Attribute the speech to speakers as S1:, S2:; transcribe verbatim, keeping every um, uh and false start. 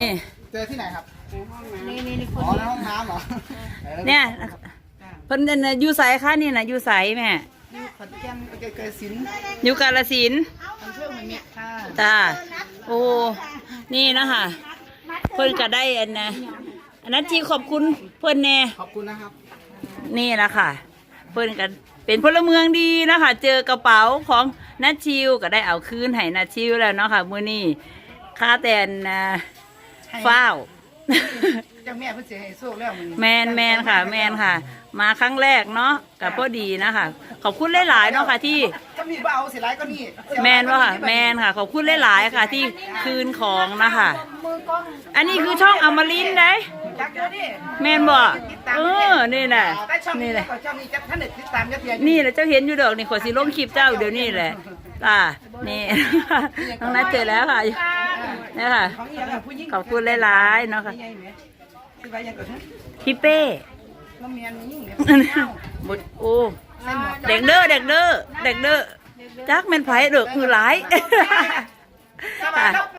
S1: เจอที่ไหนครับ
S2: นี่นี่นี่ค
S1: อ๋
S2: น
S1: อในห้องน้ำเหรอ
S3: เนี่ยเพิ่นน่ะอยู่ไสคะนี่น่ะอยู่ไสแม่
S1: อยู่ขอนแก่นเกยเกยสิน
S3: อยู่กาฬสินธุ์
S1: อำเภอเมืองเนี่ยค่ะ
S3: จ้าโอ้นี่นะคะเพิ่นก็ได้อันนะอันนั้นที่ขอบคุณเพิ่นแน่
S1: ขอบคุณนะครับ
S3: นี่แหละค่ะ เพิ่นก็เป็นพลเมืองดีนะคะ เจอกระเป๋าของนัทชิวก็ได้เอาคืนให้นัทชิวแล้วเนาะค่ะมื้อนี้ค่าแต่นนะฟ้าว
S1: เจ้าแม่เพิ่นสิให้โชคแล้วมื้อนี้
S3: แมนแมนค่ะ แมนค่ะ มาครั้งแรกเนาะกับพอดีนะคะ ขอบคุณหลายๆเนาะค่ะที่
S1: ถ้ามีบ่เอาสิหลายก็นี่
S3: แมนว่าค่ะแมนค่ะ ขอบคุณหลายๆค่ะ ที่คืนของนะคะ อันนี้คือช่องอมรินทร์ได้
S1: จักเดี๋ยวนี้
S3: แมนบ่เออนี่แหละ
S1: แต่ช่อง
S3: นี่
S1: นี้
S3: แหละ
S1: ก็ช่องนี้จะท่านได้ติดตามยัดเยียด
S3: นี่แหละเจ้าเห็นอยู่ดอกนี่ขอสิลงคลิปเจ้าเดี๋ยวนี้แหละอ่านี่ น้องนัดเจอแล้วค่ะนี่ค่ะ
S1: ของอีหยังอะผู้หญิง
S3: ขอบคุณหลายๆเนาะค่ะ
S1: ใหญ่ไหมคือว่าหยังก็ฮะ
S3: พี่เป้
S1: บ่แม่นยิ่งเนี่ย
S3: บดโอ้เด็กเด้อเด็กเด้อเด็กเด้อจักแม่นไผเด้อคือหลาย
S1: สบายแล้ว